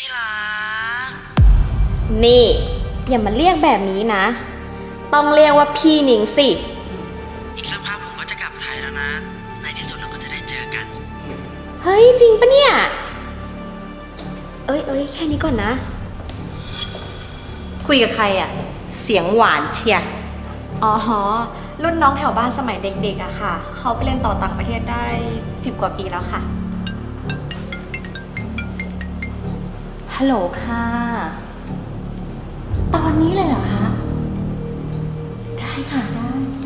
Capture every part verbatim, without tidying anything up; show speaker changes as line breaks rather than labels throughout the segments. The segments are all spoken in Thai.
ที่รัก
นี่อย่ามาเรียกแบบนี้นะต้องเรียกว่าพี่หนิงสิ
อีกสักพักผมก็จะกลับไทยแล้วนะในที่สุดเราก็จะได้เจอกัน
เฮ้ยจริงปะเนี่ยเอ้ยเอ้ยแค่นี้ก่อนนะ
คุยกับใครอะเสียงหวานเชียร์
อ๋อรุ่นน้องแถวบ้านสมัยเด็กๆอะค่ะเขาไปเรียนต่อต่างประเทศได้สิบกว่าปีแล้วค่ะ
ฮัลโหลค่ะตอนนี้เลยเหรอคะได้ค่ะได้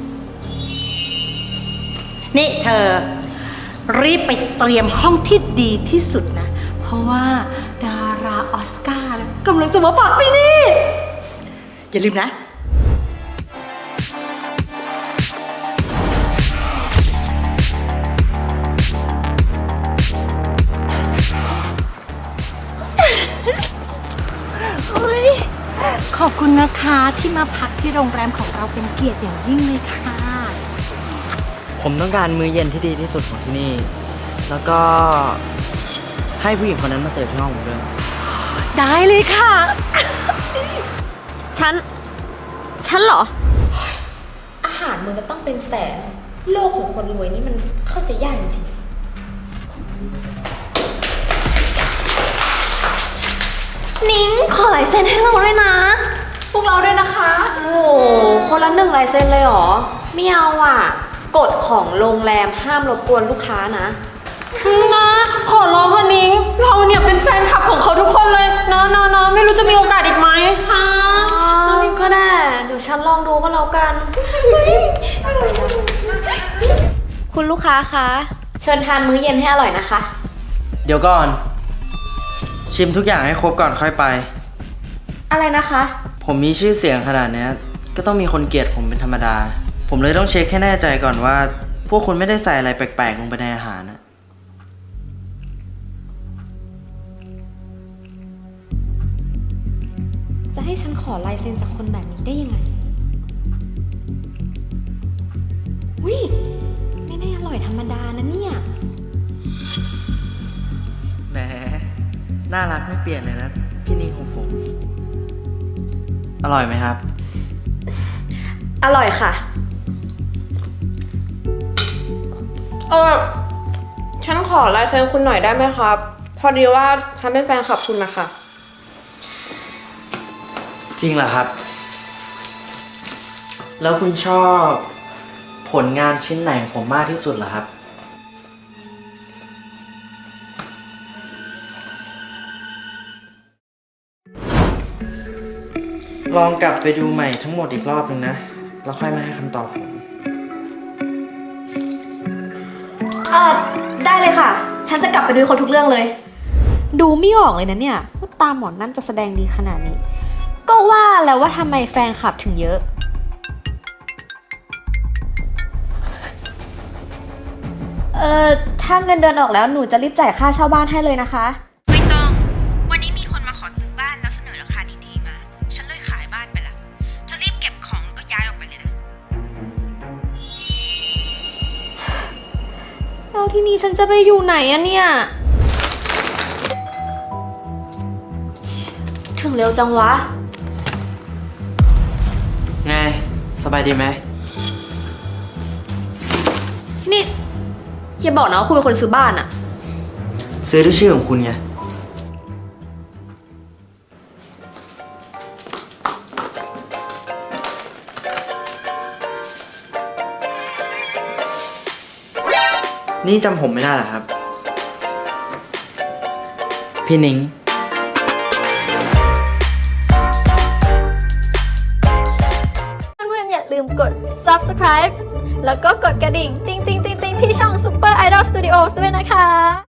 นี่เธอรีบไปเตรียมห้องที่ดีที่สุดนะเพราะว่าดาราออสการ์กำลังจะมาฝากที่นี่อย่าลืมนะขอบคุณนะคะที่มาพักที่โรงแรมของเราเป็นเกียรติอย่างยิ่งเลยค่ะ
ผมต้องการมื้อเย็นที่ดีที่สุดของที่นี่แล้วก็ให้ผู้หญิงคนนั้นมาเสิร์ฟที่ห้องผมด้วย
ได้เลยค่ะ
ฉันฉันเหรออาหารมึงจะต้องเป็นแสนโลกของคนรวยนี่มันเข้าใจยากจริงนิ้งขอลายเซ็นให้เราด้วยนะ
พวกเราด้วยนะคะ
โอ้โหคนละหนึ่งลายเซ็นเลยเหรอไม่เอาอ่ะกฎของโรงแรมห้ามรบกวนลูกค้านะ
นะขอร้องค่ะนิ้งเราเนี่ยเป็นแฟนคลับของเขาทุกคนเลยนะนะนะไม่รู้จะมีโอกาสอีกไหม
ฮะนิ้งก็ได้เดี๋ยวฉันลองดูก็แล้วกันคุณลูกค้าคะเชิญทานมื้อเย็นให้อร่อยนะคะ
เดี๋ยวก่อนชิมทุกอย่างให้ครบก่อนค่อยไป
อะไรนะคะ
ผมมีชื่อเสียงขนาดนี้ก็ต้องมีคนเกลียดผมเป็นธรรมดาผมเลยต้องเช็คให้แน่ใจก่อนว่าพวกคุณไม่ได้ใส่อะไรแปลกๆลงไปในอาหารนะ
จะให้ฉันขอลายเซ็นจากคนแบบนี้ได้ยังไงวิไม่ได้อร่อยธรรมดานะเนี่ย
แหมน่ารักไม่เปลี่ยนเลยนะพี่นิ้งของผมอร่อยไหมครับ
อร่อยค่ะเออฉันขอลายเซ็นคุณหน่อยได้ไหมครับพอดีว่าฉันเป็นแฟนคลับคุณนะคะ
จริงเหรอครับแล้วคุณชอบผลงานชิ้นไหนของผมมากที่สุดเหรอครับลองกลับไปดูใหม่ทั้งหมดอีกรอบหนึ่งนะแล้วค่อยมาให้คำตอบผม
เออได้เลยค่ะฉันจะกลับไปดูเขาทุกเรื่องเลยดูไม่ออกเลยนะเนี่ยว่าตาหมอนนั่นจะแสดงดีขนาดนี้ก็ว่าแล้วว่าทำไมแฟนคลับถึงเยอะเออถ้าเงินเดือนออกแล้วหนูจะรีบจ่ายค่าเช่าบ้านให้เลยนะคะ
ไม่ต้องวันนี้มีคนมาขอซื้อบ้านแล้วเสนอราคาดีๆมาฉันเลยขายบ้านไปละเธอรีบเก็บของแล้วก็ย้ายออกไปเลยนะ
แล้วที่นี้ฉันจะไปอยู่ไหนอะเนี่ยถึงเร็วจังวะ
ไงสบายดีไหม
นี่อย่าบอกนะว่าคุณเป็นคนซื้อบ้านอะ
ซื้อด้วยชื่อของคุณไงนี่จำผมไม่ได้เหรอครับพี่นิ้ง
เพื่อนๆอย่าลืมกด ซับสไครบ์ แล้วก็กดกระดิ่ง ติ๊งติ๊งติ๊งติ๊งที่ช่อง Super Idol Studios ด้วยนะคะ